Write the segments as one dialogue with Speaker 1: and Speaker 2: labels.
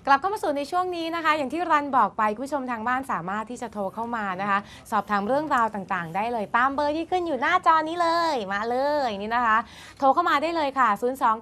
Speaker 1: กลับเข้ามาสู่ในช่วงนี้นะคะอย่างที่รันบอกไปคุณผู้ชมทางบ้านสามารถที่จะโทรเข้ามานะคะสอบถามเรื่องราวต่างๆได้เลยตามเบอร์ที่ขึ้นอยู่หน้าจอนี้เลยมาเลยนี่นะคะโทรเข้ามาได้เลยค่ะ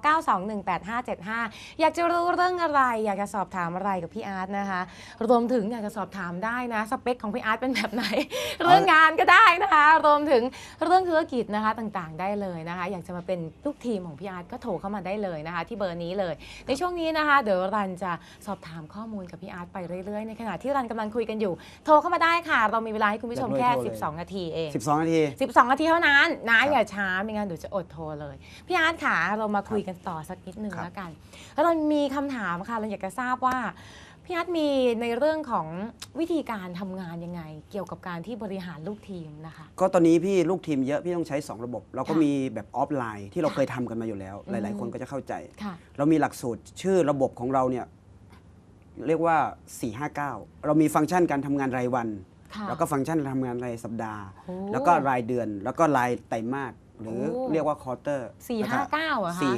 Speaker 1: 029218575 อยากจะรู้เรื่องอะไรอยากจะสอบถามอะไรกับพี่อาร์ตนะคะรวมถึงอยากจะสอบถามได้นะสเปคของพี่อาร์ตเป็นแบบไหน เรื่องงานก็ได้นะคะรวมถึงเรื่องธุรกิจนะคะต่างๆได้เลยนะคะอยากจะมาเป็นลูกทีมของพี่อาร์ตก็โทรเข้ามาได้เลยนะคะที่เบอร์นี้เลยในช่วงนี้นะคะเดี๋ยวรันจะสอบถามข้อมูลกับพี่อาร์ตไปเรื่อยๆในขณะที่รันกำลังคุยกันอยู่โทรเข้ามาได้ค่ะเรามีเวลาให้คุณผู้ชมแค่12 นาทีเอง
Speaker 2: 12 นาที
Speaker 1: 12 นาทีเท่านั้นนะอย่าช้าไม่งั้นเดี๋ยวจะอดโทรเลยพี่อาร์ตค่ะเรามาคุยกันต่อสักนิดนึงแล้วกันแล้วเรามีคำถามค่ะเราอยากจะทราบว่าพี่อาร์ตมีในเรื่องของวิธีการทำงานยังไงเกี่ยวกับการที่บริหารลูกทีมนะคะ
Speaker 2: ก็ตอนนี้พี่ลูกทีมเยอะพี่ต้องใช้2ระบบเราก็มีแบบออฟไลน์ที่เราเคยทำกันมาอยู่แล้วหลายๆคนก็จะเข้าใจเรามีหลักสูตรชื่อระบบของเราเนี่ยเรียกว่า459เรามีฟังก์ชันการทำงานรายวันแล้วก็ฟังก์ชันการทำงานรายสัปดาห์แล้วก็รายเดือนแล้วก็รายไตรมาสหรือเรียกว่าควอเตอร์
Speaker 1: 459เหรอคะ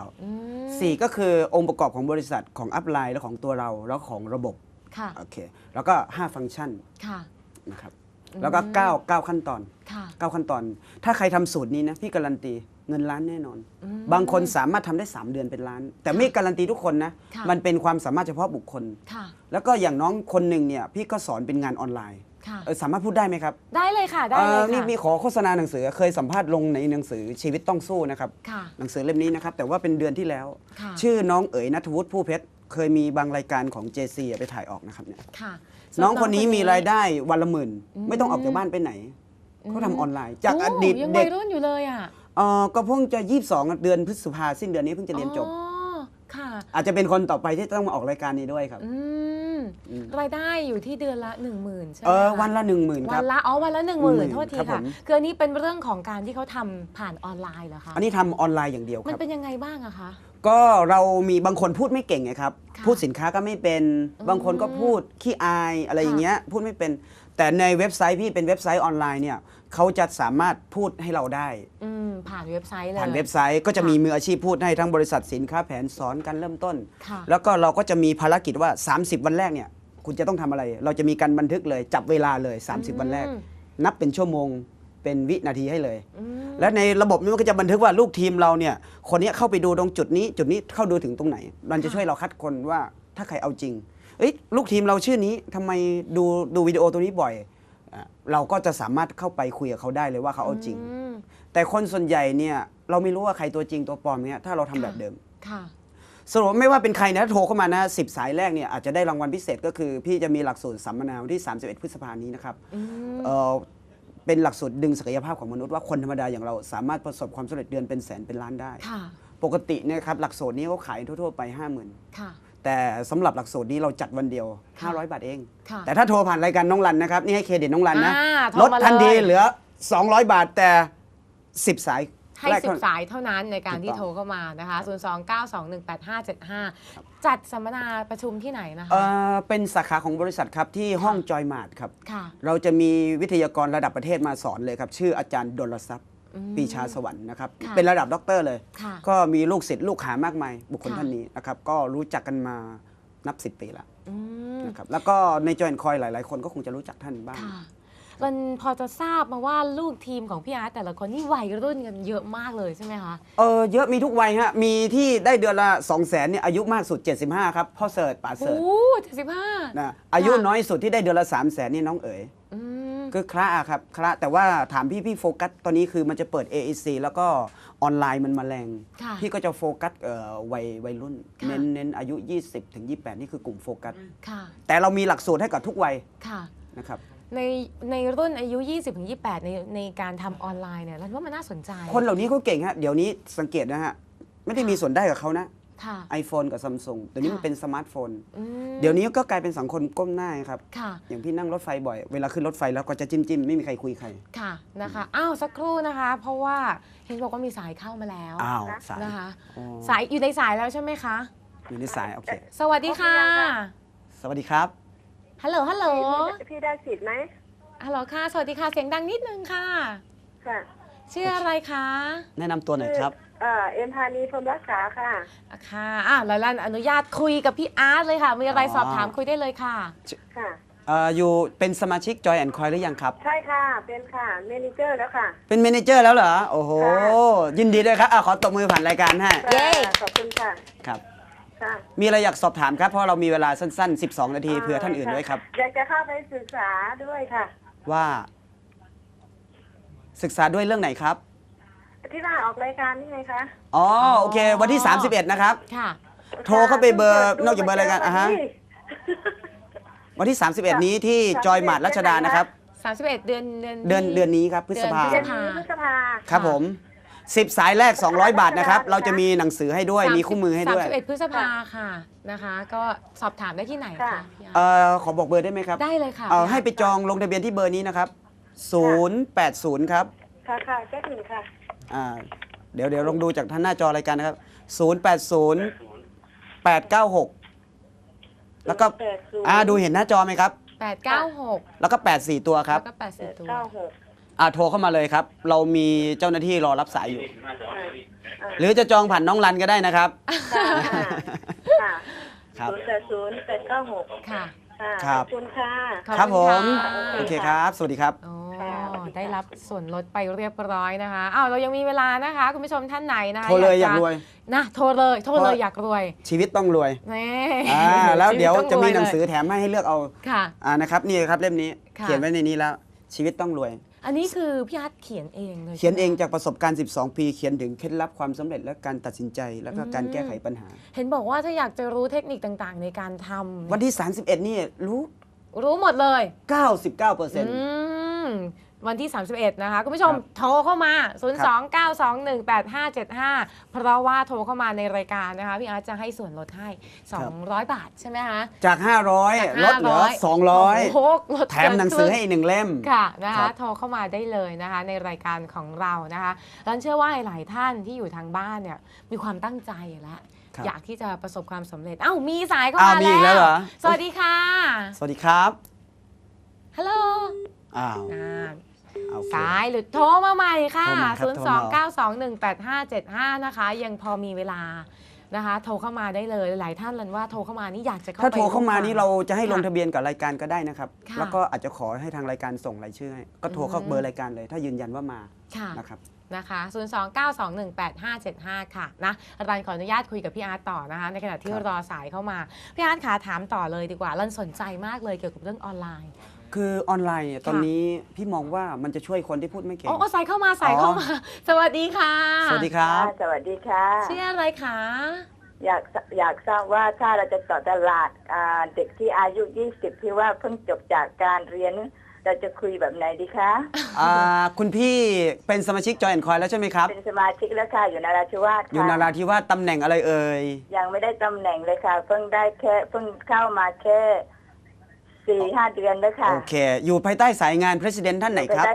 Speaker 2: 459 4ก็คือองค์ประกอบของบริษัทของอัพไลน์และของตัวเราแล้วของระบบโอเคแล้วก็5ฟังก์ชันนะครับแล้วก็9ขั้นตอน9ขั้นตอนถ้าใครทำสูตรนี้นะพี่การันตีเงินล้านแน่นอนบางคนสามารถทำได้3 เดือนเป็นล้านแต่ไม่การันตีทุกคนนะมันเป็นความสามารถเฉพาะบุคคลแล้วก็อย่างน้องคนหนึ่งเนี่ยพี่ก็สอนเป็นงานออนไลน์สามารถพูดได้ไหมครับ
Speaker 1: ได้เลยค่ะได้เลยค่ะ
Speaker 2: นี่มีขอโฆษณาหนังสือเคยสัมภาษณ์ลงในหนังสือชีวิตต้องสู้นะครับหนังสือเล่มนี้นะครับแต่ว่าเป็นเดือนที่แล้วชื่อน้องเอ๋ยณัฐวุฒิผู้เพชรเคยมีบางรายการของ JC ไปถ่ายออกนะครับเนี่ยน้องคนนี้มีรายได้วันละ10,000ไม่ต้องออกจากบ้านไปไหนเขาทำออนไลน์จากอดีต
Speaker 1: เด็กรุ่นอยู่เลยอ่ะ
Speaker 2: ก็เพิ่งจะ22เดือนพฤษภาสิ้นเดือนนี้เพิ่งจะเรียนจบอาจจะเป็นคนต่อไปที่ต้องมาออกรายการนี้ด้วยครับ
Speaker 1: รายได้อยู่ที่เดือนละ 10,000 ใช่ไหม
Speaker 2: วันละ 10,000 ครับ
Speaker 1: วันละ 10,000 โทษทีค่ะคืออันนี้เป็นเรื่องของการที่เขาทำผ่านออนไลน์เหรอคะ
Speaker 2: อันนี้ทำออนไลน์อย่างเดียวครับ
Speaker 1: มันเป็นยังไงบ้างอะคะ
Speaker 2: ก็เรามีบางคนพูดไม่เก่งไงครับพูดสินค้าก็ไม่เป็นบางคนก็พูดขี้อายอะไรอย่างเงี้ยพูดไม่เป็นแต่ในเว็บไซต์พี่เป็นเว็บไซต์ออนไลน์เนี่ยเขาจะสามารถพูดให้เราได้
Speaker 1: ผ่านเว็บไซต์เลย
Speaker 2: ผ่านเว็บไซต์ก็จะมีมืออาชีพพูดให้ทั้งบริษัทสินค้าแผนสอนการเริ่มต้นแล้วก็เราก็จะมีภารกิจว่า30 วันแรกเนี่ยคุณจะต้องทำอะไรเราจะมีการบันทึกเลยจับเวลาเลย30 วันแรกนับเป็นชั่วโมงเป็นวินาทีให้เลยและในระบบนี้มันก็จะบันทึกว่าลูกทีมเราเนี่ยคนนี้เข้าไปดูตรงจุดนี้เข้าดูถึงตรงไหนมันจะช่วยเราคัดคนว่าถ้าใครเอาจริงลูกทีมเราชื่อนี้ทำไมดูวิดีโอตัวนี้บ่อยเราก็จะสามารถเข้าไปคุยกับเขาได้เลยว่าเขาเอาจริงแต่คนส่วนใหญ่เนี่ยเราไม่รู้ว่าใครตัวจริงตัวปลอมเนี่ยถ้าเราทำแบบเดิมสรุปไม่ว่าเป็นใครนะโทรเข้ามานะ10 สายแรกเนี่ยอาจจะได้รางวัลพิเศษก็คือพี่จะมีหลักสูตรสัมมนาวันที่31 พฤษภาคมนี้นะครับเป็นหลักสูตรดึงศักยภาพของมนุษย์ว่าคนธรรมดาอย่างเราสามารถประสบความสำเร็จเดือนเป็นแสนเป็นล้านได้ปกติเนี่ยครับหลักสูตรนี้เขาขายทั่วๆไป 50,000แต่สำหรับหลักสูตรนี้เราจัดวันเดียว500 บาทเองแต่ถ้าโทรผ่านรายการน้องรันนะครับนี่ให้เครดิตน้องรันนะลดทันทีเหลือ200 บาทแต่10 สาย
Speaker 1: ให้10 สายเท่านั้นในการที่โทรเข้ามานะคะ029218575จัดสัมมนาประชุมที่ไหนนะคะ
Speaker 2: เป็นสาขาของบริษัทครับที่ห้องจอยมาร์ทครับเราจะมีวิทยากรระดับประเทศมาสอนเลยครับชื่ออาจารย์ดลทรัพย์ปีชาสวรรค์นะครับเป็นระดับด็อกเตอร์เลยก็มีลูกศิษย์ลูกหามากมายบุคคลท่านนี้นะครับก็รู้จักกันมานับ10 ปีแล้วนะครับแล้วก็ในจอยแอนด์คอยหลายๆคนก็คงจะรู้จักท่านบ้าง
Speaker 1: มันพอจะทราบมาว่าลูกทีมของพี่อาร์ตแต่ละคนนี่วัยรุ่นกันเยอะมากเลยใช่ไหมคะ
Speaker 2: เยอะมีทุกวัยฮะมีที่ได้เดือนละ200,000เนี่ยอายุมากสุด75ครับพ่อเสิร์ชป๋าเสิร์ช
Speaker 1: 75
Speaker 2: นะอายุน้อยสุดที่ได้เดือนละ300,000นี่น้องเอ๋ยคือคละครับคละแต่ว่าถามพี่โฟกัสตอนนี้คือมันจะเปิด AEC แล้วก็ออนไลน์มันมาแรงพี่ก็จะโฟกัสวัยรุ่นเน้นอายุ 20-28 นี่คือกลุ่มโฟกัสแต่เรามีหลักสูตรให้กับทุกวัยนะครับ
Speaker 1: ในรุ่นอายุ 20-28 ในการทำออนไลน์เนี่ยเราว่ามันน่าสนใจ
Speaker 2: คนเหล่านี้เขาเก่งฮะเดี๋ยวนี้สังเกตนะฮะไม่ได้มีส่วนได้กับเขานะiPhone กับ Samsung เดี๋ยวนี้มันเป็นสมาร์ทโฟนเดี๋ยวนี้ก็กลายเป็นสังคมก้มหน้าครับอย่างพี่นั่งรถไฟบ่อยเวลาขึ้นรถไฟแล้วก็จะจิ้มไม่มีใครคุยใคร
Speaker 1: ค่ะนะคะสักครู่นะคะเพราะว่าเห็นบอกว่ามีสายเข้ามาแล้ว
Speaker 2: สาย
Speaker 1: นะคะสายอยู่ในสายแล้วใช่ไหมคะ
Speaker 2: อยู่ในสายโอเค
Speaker 1: สวัสดีค่ะ
Speaker 2: สวัสดีครับ
Speaker 1: ฮัลโหล
Speaker 3: พี่ได้สิทธิ์ไหม
Speaker 1: ฮัลโหลค่ะสวัสดีค่ะเสียงดังนิดนึงค่ะชื่ออะไรคะ
Speaker 2: แนะนำตัวหน่อยครับ
Speaker 3: เอ็มพานีพรหมรักษาค่ะ
Speaker 1: ค่ะแล้วลันอนุญาตคุยกับพี่อาร์ตเลยค่ะ มีอะไรสอบถามคุยได้เลยค่ะ
Speaker 3: ค่ะ
Speaker 2: อยู่เป็นสมาชิก Joy and Coy หรือยังครับ
Speaker 3: ใช่ค่ะ เป็นค่ะเมเนเจอร์แล้วค่ะ
Speaker 2: เป็นเมเนเจอร์แล้วเหรอ โอ้โห
Speaker 3: ค่ะ
Speaker 2: ยินดีด้วยครับขอตบมือผ่านรายการให้
Speaker 1: เย้
Speaker 3: ขอบคุณค่ะ
Speaker 2: ครับ
Speaker 3: ค่ะ
Speaker 2: มีอะไรอยากสอบถามครับ เพราะเรามีเวลาสั้นๆ 12 นาทีเผื่อท่านอื่นด้วยครับ
Speaker 3: อยากจะเข้าไปศึกษาด้วยค่ะ
Speaker 2: ว่าศึกษาด้วยเรื่องไหนครับ
Speaker 3: ที่ว่าออกรายการนี่ไงคะ
Speaker 2: อ๋อโอเค วันที่ 31 นะครับ
Speaker 1: ค่ะ
Speaker 2: โทรเข้าไปเบอร์นอกจากเบอร์รายการวันที่ 31 นี้ที่จอยหมาดรัชดานะครับ
Speaker 1: 31 เดือน
Speaker 2: เดือนนี้ครับพฤษภา
Speaker 3: เดือนนี้พฤษภา
Speaker 2: ครับผม 10 สายแรก 200 บาทนะครับ เราจะมีหนังสือให้ด้วย มีคู่มือให้ด้วย
Speaker 1: 31 พฤษภาค่ะนะคะ ก็สอบถามได้ที่ไหนคะพี่อาร์ต
Speaker 2: ขอบอกเบอร์ได้ไหมครับ
Speaker 1: ได้เลยค่ะ
Speaker 2: ให้ไปจองลงทะเบียนที่เบอร์นี้นะครับ 080 ครับ
Speaker 3: ค่ะค่ะแค่ถึงค่ะ
Speaker 2: เดี๋ยวลองดูจากท่านหน้าจอรายการนะครับ 080 896 แล้วก็
Speaker 3: 080
Speaker 2: ดูเห็นหน้าจอไหมครับ
Speaker 1: 896
Speaker 2: แล้วก็ 84 ตัวครับ
Speaker 1: แล้วก็84ตัว
Speaker 3: 96
Speaker 2: โทรเข้ามาเลยครับ เรามีเจ้าหน้าที่รอรับสายอยู่ หรือจะจองผ่านน้องรันก็ได้นะครับ
Speaker 3: ค่ะค่ะ
Speaker 2: ครับ
Speaker 3: 080 896
Speaker 1: ค่ะ
Speaker 3: ค่ะ
Speaker 2: ครั
Speaker 3: ข
Speaker 2: บ
Speaker 3: อบคุณค่ะ
Speaker 1: ขอบ
Speaker 2: ครับผ
Speaker 1: คุณ
Speaker 2: ม
Speaker 1: ค่ะ
Speaker 2: โอเคครับ สวัสดีครับ
Speaker 1: โอ้ได้รับส่วนลดไปเรียบร้อยนะคะเรายังมีเวลานะคะ คุณผู้ชมท่านไหนนะคะ
Speaker 2: โทรเลยอยากรวย
Speaker 1: นะโทรเลยอยากรวย
Speaker 2: ชีวิตต้องรวย
Speaker 1: นี่
Speaker 2: แล้วเดี๋ยวจะมีหนังสื
Speaker 1: อ
Speaker 2: อแถมให้เลือกเอา
Speaker 1: ค่ะ
Speaker 2: นะครับนี่ครับเล่มนี้
Speaker 1: ค่ะ
Speaker 2: เขียนไว้ในนี้แล้ว ชีวิตต้องรวย
Speaker 1: อันนี้คือพี่อาร์ตเขียนเองเลย
Speaker 2: เขียนเอง
Speaker 1: ใช่ไหม
Speaker 2: จากประสบการณ์ 12 ปี เขียนถึงเคล็ดลับความสำเร็จและการตัดสินใจ แล้วก็การแก้ไขปัญหา
Speaker 1: เห็นบอกว่าถ้าอยากจะรู้เทคนิคต่างๆ ในการทำ
Speaker 2: วันที่ 31 นี่
Speaker 1: รู้หมดเลย
Speaker 2: 99%
Speaker 1: วันที่ 31 นะคะ คุณผู้ชม
Speaker 2: ครับ
Speaker 1: โทรเข้ามา 029218575 เพราะว่าโทรเข้ามาในรายการนะคะ พี่อาร์ตจะให้ส่วนลดให้ 200 บาทใช่ไหมคะ
Speaker 2: จาก 500 ลดเหลือ
Speaker 1: โอ้โหลด
Speaker 2: 200 แถมหนังสือให้อีกหนึ่งเล่ม
Speaker 1: ค่ะนะ
Speaker 2: ครั
Speaker 1: คะ
Speaker 2: บ
Speaker 1: โทรเข้ามาได้เลยนะคะ ในรายการของเรานะคะรันเชื่อว่าหลายท่านที่อยู่ทางบ้านเนี่ยมีความตั้งใจแล้ว
Speaker 2: ครับ
Speaker 1: อยากที่จะประสบความสำเร็จมีสายเข้า
Speaker 2: มี
Speaker 1: มา
Speaker 2: อีกแล้วเหรอ
Speaker 1: สวัสดีค่ะ
Speaker 2: สวัสดีครับ
Speaker 1: ฮัลโหล
Speaker 2: อ้าว โอเค
Speaker 1: สายหรือโทรมาใหม่ค่ะ
Speaker 2: โทรมาครับโทรมา
Speaker 1: 029218575 นะคะ ยังพอมีเวลานะคะ โทรเข้ามาได้เลยหลายท่านรันว่าโทรเข้ามานี่อยากจะเข้าไป
Speaker 2: ถ้าโทรเข้ามานี่เราจะให้ลง
Speaker 1: ค่ะ
Speaker 2: ทะเบียนกับรายการก็ได้นะครับ
Speaker 1: ค่ะ
Speaker 2: แล้วก็อาจจะขอให้ทางรายการส่งรายชื่อให้ก็โทรเข้าเบอร์รายการเลย ถ้ายืนยันว่ามา
Speaker 1: ค่ะ
Speaker 2: นะครับ
Speaker 1: นะคะ 029218575 ค่ะนะรันขออนุญาตคุยกับพี่อาร์ตต่อนะคะ ในขณะที่
Speaker 2: ครับ
Speaker 1: รอสายเข้ามา พี่อาร์ตขาถามต่อเลยดีกว่ารันสนใจมากเลยเกี่ยวกับเรื่องออนไลน์
Speaker 2: คือออนไลน์เนี่ยตอนนี้พี่มองว่ามันจะช่วยคนที่พูดไม่เก่ง
Speaker 1: สายเข้ามาสายเข้ามา สวัสดีค่ะ
Speaker 2: สวัสดีครับ
Speaker 3: สวัสดีค่ะ
Speaker 1: ชื่ออะไรคะ
Speaker 3: อยากทราบว่าถ้าเราจะต่อตลาดเด็กที่อายุ 20 ที่ว่าเพิ่งจบจากการเรียน เราจะคุยแบบไหนดีคะ
Speaker 2: คุณพี่เป็นสมาชิกจอยแอนด์คอยแล้วใช่ไหมครับ
Speaker 3: เป็นสมาชิกแล้วค่ะ อยู่นราธิวาสค่ะ
Speaker 2: อยู่นาราธิวาสตำแหน่งอะไรเอ่ย
Speaker 3: ยังไม่ได้ตำแหน่งเลยค่ะ เพิ่งเข้ามาแค่ 4-5 เดือนแล้วค่ะ
Speaker 2: โอเค อยู่ภายใต้สายงาน President ท่านไหนครับ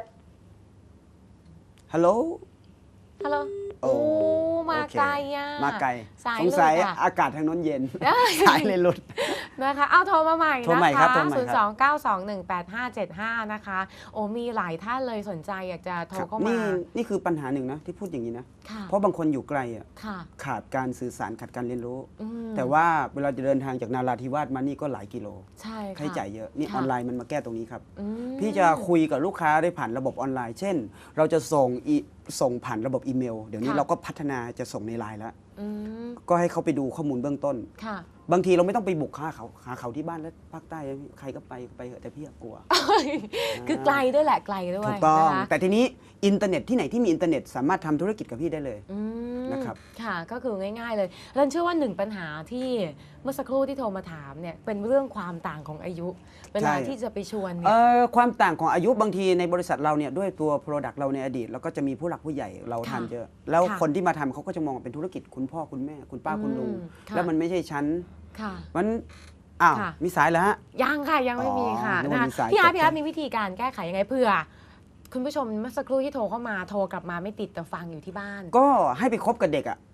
Speaker 2: ฮัลโหล
Speaker 1: ฮัลโหล
Speaker 2: โอ้
Speaker 1: มา
Speaker 2: โอเค
Speaker 1: ไกลอ่ะ
Speaker 2: มาไกล
Speaker 1: สาย
Speaker 2: สงสัย
Speaker 1: เลยค่ะ
Speaker 2: อากาศทางโน้นเย็น
Speaker 1: ได้
Speaker 2: สายเลยหลุด
Speaker 1: นะคะ โทรมาใหม่
Speaker 2: โทร
Speaker 1: นะ
Speaker 2: ใหม่ครั
Speaker 1: คะ
Speaker 2: บโทรใหม่ครับ
Speaker 1: 029218575 นะคะ มีหลายท่านเลยสนใจอยากจะโทรเข้ามา
Speaker 2: นี่คือปัญหาหนึ่งนะที่พูดอย่างนี้นะ
Speaker 1: ค่ะ
Speaker 2: เพราะบางคนอยู่ไกลอ่ะ
Speaker 1: ค่ะ
Speaker 2: ขาดการสื่อสารขาดการเรียนรู้
Speaker 1: อืม
Speaker 2: แต่ว่าเวลาจะเดินทางจากนาราธิวาสมานี่ก็หลายกิโล
Speaker 1: ใช่ค่ะ
Speaker 2: ค่าใช้จ่ายเยอะนี่
Speaker 1: ค่ะ
Speaker 2: ออนไลน์มันมาแก้ตรงนี้ครับ
Speaker 1: อืม
Speaker 2: พี่จะคุยกับลูกค้าได้ผ่านระบบออนไลน์ เช่น เราจะส่งผ่านระบบอีเมล เดี๋ยวนี้
Speaker 1: ค่ะ
Speaker 2: เราก็พัฒนาจะส่งในไลน์แล้ว
Speaker 1: อืม
Speaker 2: ก็ให้เขาไปดูข้อมูลเบื้องต้น
Speaker 1: ค่ะ
Speaker 2: บางทีเราไม่ต้องไปบุกหาเขาที่บ้านแล้วภาคใต้ใครก็ไปเถอะแต่พี่กลัว
Speaker 1: คือไกลด้วยแหละไกลด้วย
Speaker 2: ถูกต้อง
Speaker 1: นะคะ
Speaker 2: แต่ทีนี้อินเทอร์เน็ตที่ไหนที่มีอินเทอร์เน็ตสามารถทำธุรกิจกับพี่ได้เลย
Speaker 1: อืม
Speaker 2: นะครับ
Speaker 1: ค่ะ ก็คือง่ายๆเลยรันเชื่อว่าหนึ่งปัญหาที่เมื่อสักครู่ที่โทรมาถามเนี่ยเป็นเรื่องความต่างของอายุ เวลาที่จะไปชวนเนี่ย
Speaker 2: ความต่างของอายุบางทีในบริษัทเราเนี่ยด้วยตัว Product เราในอดีตเราก็จะมีผู้หลักผู้ใหญ่เราทำเยอะ แล้ว
Speaker 1: ค่ะ
Speaker 2: คนที่มาทำเขาก็จะมองว่าเป็นธุรกิจคุณพ่อคุณแม่ คุณป้าคุณลุง
Speaker 1: ค่ะ
Speaker 2: แล้วมันไม่ใช่ชั้น
Speaker 1: ค่ะ
Speaker 2: มันอ้าว
Speaker 1: ค่ะ
Speaker 2: มีสายแล้วฮะ
Speaker 1: ยังค่ะยังไม่มีค่ะ
Speaker 2: นึกว่ามีสาย
Speaker 1: พี่อาร์ต
Speaker 2: ตกใจ
Speaker 1: พี่อาร์ตมีวิธีการแก้ไขยังไงเผื่อคุณผู้ชมเมื่อสักครู่ที่โทรเข้ามาโทรกลับมาไม่ติดแต่ฟังอยู่ที่บ้าน
Speaker 2: ก็ให้ไปคบกับเด็กอ่ะ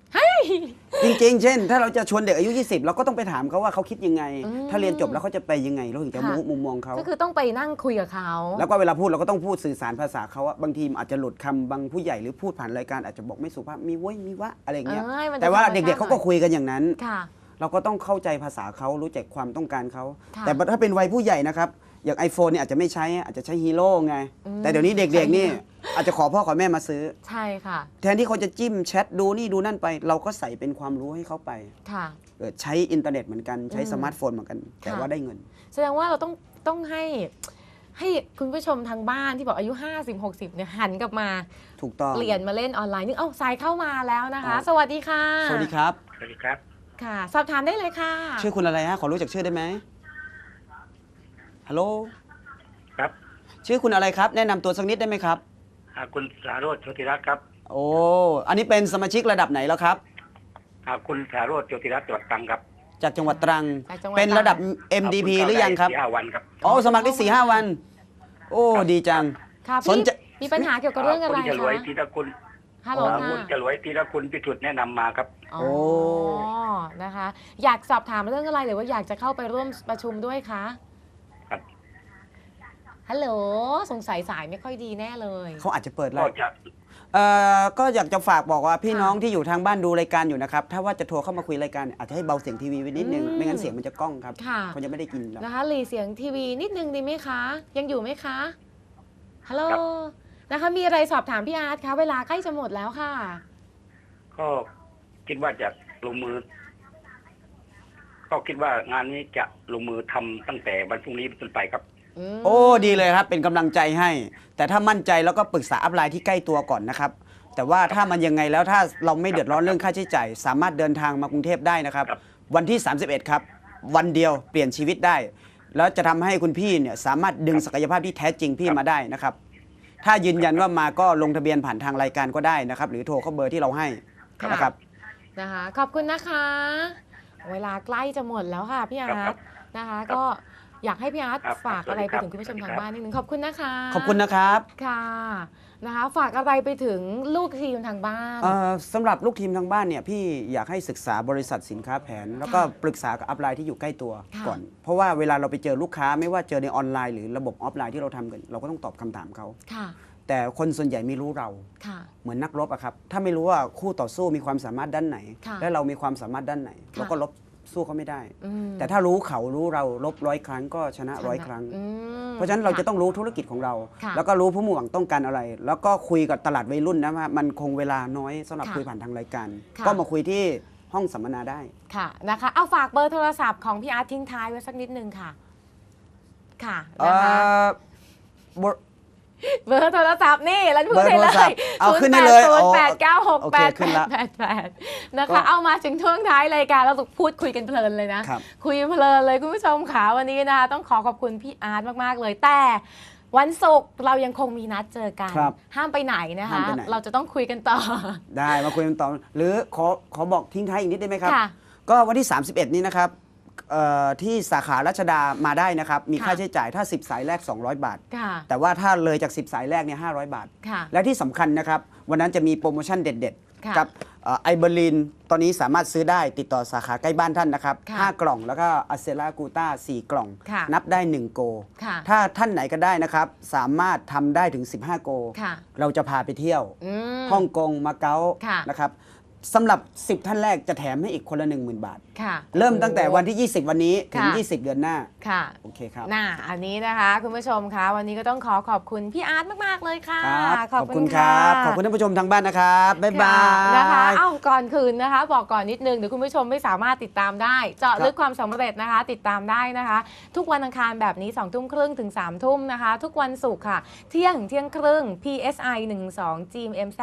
Speaker 2: จริงๆ เช่น ถ้าเราจะชวนเด็กอายุ 20 เราก็ต้องไปถามเขาว่าเขาคิดยังไง
Speaker 1: อืม
Speaker 2: ถ้าเรียนจบแล้วเขาจะไปยังไงเราถึงจะ
Speaker 1: ค่ะ
Speaker 2: รู้มุมมองเขา
Speaker 1: ก็คือต้องไปนั่งคุยกับเขา
Speaker 2: แล้วก็เวลาพูดเราก็ต้องพูดสื่อสารภาษาเขาอะบางทีอาจจะหลุดคำบางผู้ใหญ่หรือพูดผ่านรายการอาจจะบอกไม่สุภาพมีเว้ยมีวะอะไรอย่างเงี้ย
Speaker 1: ให้มัน
Speaker 2: แต่ว่า
Speaker 1: ธรรมชาติ
Speaker 2: เด็กๆเขาก็คุยกันอย่างนั้น
Speaker 1: ค่ะ
Speaker 2: เราก็ต้องเข้าใจภาษาเขารู้จักความต้องการเขา
Speaker 1: ค่ะ
Speaker 2: แต่ถ้าเป็นวัยผู้ใหญ่นะครับอย่าง iPhone เนี่ยอาจจะไม่ใช้อาจจะใช้ฮีโร่ไง
Speaker 1: อืม
Speaker 2: แต่เดี๋ยวนี้เด็กๆนี่อาจจะขอพ่อขอแม่มาซื้อ
Speaker 1: ใช่ค่ะ
Speaker 2: แทนที่เขาจะจิ้มแชทดูนี่ดูนั่นไป เราก็ใส่เป็นความรู้ให้เขาไป
Speaker 1: ค่ะ
Speaker 2: ใช้อินเทอร์เน็ตเหมือนกันใช้
Speaker 1: อืม
Speaker 2: สมาร์ทโฟนเหมือนกัน แต่
Speaker 1: ค่ะ
Speaker 2: ว่าได้เงิน
Speaker 1: แสดงว่าเราต้องให้คุณผู้ชมทางบ้านที่บอกอายุ 50-60 เนี่ยหันกลับมา
Speaker 2: ถูกต้อง
Speaker 1: เปลี่ยนมาเล่นออนไลน์นึกสายเข้ามาแล้วนะคะ
Speaker 2: อ๋อ
Speaker 1: สวัสดีค่ะ
Speaker 2: สวัสดีครับ
Speaker 4: สวัสดีครับ
Speaker 1: ค่ะ สอบถามได้เลยค่ะ
Speaker 2: ชื่อคุณอะไรฮะขอรู้จักชื่อได้ไหมฮัลโหล
Speaker 4: ครับ
Speaker 2: ชื่อคุณอะไรครับ แนะนำตัวสักนิดได้ไหมครับ
Speaker 4: คุณสาโรจน์โชติรัตน์ครับ
Speaker 2: โอ้อันนี้เป็นสมาชิกระดับไหนแล้วครับ
Speaker 4: คุณสาโรจน์โชติรัตน์จังหวัดตรังครับ
Speaker 2: จากจังหวัดตรัง
Speaker 1: จากจังหวัด
Speaker 2: เป็นระดับ MDP หรือยังครับ
Speaker 4: 4-5 วันครับ
Speaker 2: อ๋อสมัครได้4-5 วัน โอ้ดีจัง
Speaker 1: ค่ะ
Speaker 2: สน
Speaker 1: พี่
Speaker 2: ใจ
Speaker 1: มีปัญหาเกี่ยวกับเรื่องอะไร
Speaker 4: คุณฉลวย
Speaker 1: คะ
Speaker 4: ธีรคุณ
Speaker 1: ฮัลโหลค่ะ
Speaker 4: คุณฉลวยธีรคุณพิสุทธิ์แนะนำมาครับ
Speaker 1: อ๋อนะคะ อยากสอบถามเรื่องอะไรหรือว่าอยากจะเข้าไปร่วมประชุมด้วยคะ
Speaker 4: ครับ
Speaker 1: ฮัลโหลสงสัยสายไม่ค่อยดีแน่เลย
Speaker 2: เขาอาจจะเปิดไล
Speaker 4: ก็
Speaker 2: ฟ์
Speaker 4: จะ
Speaker 2: ก็อยากจะฝากบอกว่าพี่
Speaker 1: ค่ะ
Speaker 2: น้องที่อยู่ทางบ้านดูรายการอยู่นะครับ ถ้าว่าจะโทรเข้ามาคุยรายการอาจจะให้เบาเสียงทีวีไว้นิดนึง
Speaker 1: อืม
Speaker 2: ไม่งั้นเสียงมันจะก้องครับ
Speaker 1: ค่ะ
Speaker 2: เขาจะไม่ได้กินหรอก
Speaker 1: นะคะหลีเสียงทีวีนิดนึงดีไหมคะ ยังอยู่ไหมคะ ฮัลโหล นะคะ มีอะไรสอบถามพี่อาร์ตคะ เวลาใกล้จะหมดแล้วค่ะ
Speaker 4: ก็คิดว่าจะลงมือ ก็คิดว่างานนี้จะลงมือทำตั้งแต่วันพรุ่งนี้เป็นต้นไปครับ
Speaker 1: ม
Speaker 2: โอ้ดีเลยครับเป็นกำลังใจให้ แต่ถ้ามั่นใจแล้วก็ปรึกษาอัพไลน์ที่ใกล้ตัวก่อนนะครับ แต่ว่าถ้ามันยังไงแล้วถ้าเราไม่เดือดร้อนเรื่องค่าใช้จ่ายสามารถเดินทางมากรุงเทพได้นะครับ
Speaker 4: ครับ
Speaker 2: วันที่ 31 ครับ วันเดียวเปลี่ยนชีวิตได้ แล้วจะทำให้คุณพี่เนี่ยสามารถดึงศักยภาพที่แท้จริงพี่มาได้นะครับ ถ้ายืนยันว่ามาก็ลงทะเบียนผ่านทางรายการก็ได้นะครับ หรือโทรเข้าเบอร์ที่เราให้
Speaker 1: ค่ะ
Speaker 2: นะครับ
Speaker 1: นะคะ ขอบคุณนะคะ เวลาใกล้จะหมดแล้วค่ะพี่อาร์ตนะคะ ก็อยากให้พี่อาร์ต
Speaker 4: ครับ
Speaker 1: ฝากอะไรไป
Speaker 4: สวัสดีครับ
Speaker 1: ถึงคุณผู้ชม
Speaker 4: สวัส
Speaker 1: ทา
Speaker 4: ดี
Speaker 1: ง
Speaker 4: ครับ
Speaker 1: บ้านนิดนึงขอบคุณนะคะ
Speaker 2: ขอบคุณนะครับ
Speaker 1: ค่ะนะคะ ฝากอะไรไปถึงลูกทีมทางบ้าน
Speaker 2: สำหรับลูกทีมทางบ้านเนี่ยพี่อยากให้ศึกษาบริษัทสินค้าแผน แล้วก็ปรึกษากับอัพไลน์ที่อยู่ใกล้ตัว
Speaker 1: ค่ะ
Speaker 2: ก่อน เพราะว่าเวลาเราไปเจอลูกค้าไม่ว่าเจอในออนไลน์หรือระบบออฟไลน์ที่เราทำกัน เราก็ต้องตอบคำถามเขา
Speaker 1: ค่ะ
Speaker 2: แต่คนส่วนใหญ่ไม่รู้เรา
Speaker 1: ค่ะ
Speaker 2: เหมือนนักรบอะครับ ถ้าไม่รู้ว่าคู่ต่อสู้มีความสามารถด้านไหน
Speaker 1: ค่ะ
Speaker 2: และเรามีความสามารถด้านไหน
Speaker 1: ค่ะ
Speaker 2: เราก็ลบสู้เขาไม่ได้
Speaker 1: อืม
Speaker 2: แต่ถ้ารู้เขารู้เราลบ100 ครั้งก็ชนะ100 ครั้ง
Speaker 1: อืม
Speaker 2: เพราะฉะนั้นเราจะต้องรู้ธุรกิจของเรา
Speaker 1: ค่ะ
Speaker 2: แล้วก็รู้ผู้มุ่งหวังต้องการอะไร แล้วก็คุยกับตลาดวัยรุ่นนะว่ามันคงเวลาน้อยสำหรับ
Speaker 1: ค่ะ
Speaker 2: คุยผ่านทางรายการ
Speaker 1: ค่ะ
Speaker 2: ก็มาคุยที่ห้องสัมมนาได้
Speaker 1: ค่ะนะคะ เอาฝากเบอร์โทรศัพท์ของพี่อาร์ตทิ้งท้ายไว้สักนิดนึงค่ะ ค่ะ
Speaker 2: เอ่
Speaker 1: นะคะ
Speaker 2: อบท
Speaker 1: เบอร์โทรศัพท์นี่แล้วพูด
Speaker 2: เบอร์
Speaker 1: ให้
Speaker 2: โท
Speaker 1: เล
Speaker 2: รศัพ
Speaker 1: ย
Speaker 2: ท์เอาขึ้นให้เลย
Speaker 1: 0808968888
Speaker 2: โอเคขึ้นละ
Speaker 1: นะ
Speaker 2: ก็
Speaker 1: คะ เอามาถึงช่วงท้ายรายการเราพูดคุยกันเพลินเลยนะ
Speaker 2: ครับ
Speaker 1: คุยเพลินเลยคุณผู้ชมค่ะวันนี้นะคะต้องขอบคุณพี่อาร์ตมากๆเลย แต่วันศุกร์เรายังคงมีนัดเจอกัน
Speaker 2: ครับ
Speaker 1: ห้ามไปไหนนะคะ
Speaker 2: ห้ามไปไหน
Speaker 1: เราจะต้องคุยกันต่อ
Speaker 2: ได้มาคุยกันต่อหรือขอบอกทิ้งท้ายอีกนิดได้ไหมครับ
Speaker 1: ค่ะ
Speaker 2: ก็วันที่ 31 นี้นะครับที่สาขารัชดามาได้นะครับ มี
Speaker 1: ค่ะ
Speaker 2: ค่าใช้จ่ายถ้า 10 สายแรก 200 บาท
Speaker 1: ค่ะ
Speaker 2: แต่ว่าถ้าเลยจาก 10 สายแรกเนี่ย500 บาท
Speaker 1: ค่ะ
Speaker 2: และที่สำคัญนะครับ วันนั้นจะมีโปรโมชั่นเด็ด
Speaker 1: ค่ะ
Speaker 2: ๆ กับไอเบอร์ลินตอนนี้สามารถซื้อได้ติดต่อสาขาใกล้บ้านท่านนะครับ
Speaker 1: ค่ะ
Speaker 2: 5 กล่องแล้วก็อัเซรากูต้า4 กล่อง
Speaker 1: ค่ะ
Speaker 2: นับได้ 1 โก
Speaker 1: ค่ะ
Speaker 2: ถ้าท่านไหนก็ได้นะครับ สามารถทำได้ถึง 15 โก
Speaker 1: ค่ะ
Speaker 2: เราจะพาไปเที่ยว
Speaker 1: อืม
Speaker 2: ฮ่องกงมาเก๊า
Speaker 1: ค่ะ
Speaker 2: นะครับสำหรับ 10 ท่านแรกจะแถมให้อีกคนละ 10,000 บาท
Speaker 1: ค่ะ
Speaker 2: เริ่มตั้งแต่วันที่ 20 วันนี้ถึง
Speaker 1: ค่ะ
Speaker 2: 20 เดือนหน้า
Speaker 1: ค่ะ
Speaker 2: โอเคครับ
Speaker 1: น่าอันนี้นะคะคุณผู้ชมคะวันนี้ก็ต้องขอบคุณพี่อาร์ตมากๆเลยค่ะ
Speaker 2: ครับขอบคุณครับ ขอบคุณท่านผู้ชมทางบ้านนะครับ บ๊ายบา
Speaker 1: ค่ะ
Speaker 2: ย
Speaker 1: นะคะเอ้าก่อนคืนนะคะ บอกก่อนนิดนึงเดี๋ยวคุณผู้ชมไม่สามารถติดตามได้ เจาะลึกความสำเร็จนะคะ ติดตามได้นะคะ ทุกวันอังคารแบบนี้2 ทุ่มครึ่งถึง3 ทุ่มนะคะ ทุกวันศุกร์ค่ะ เที่ยงครึ่ง PSI 12 GMZ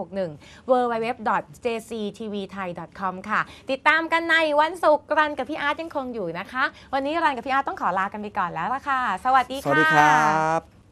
Speaker 1: 261 www.jctvthai.com ค่ะ ติดตามกันในวันศุกร์รันกับพี่อาร์ตยังคงอยู่นะคะ วันนี้รันกับพี่อาร์ตต้องขอลากันไปก่อนแล้วล่ะค่ะ สวัสดี
Speaker 2: ส
Speaker 1: ค่ะ
Speaker 2: วัสดีครับ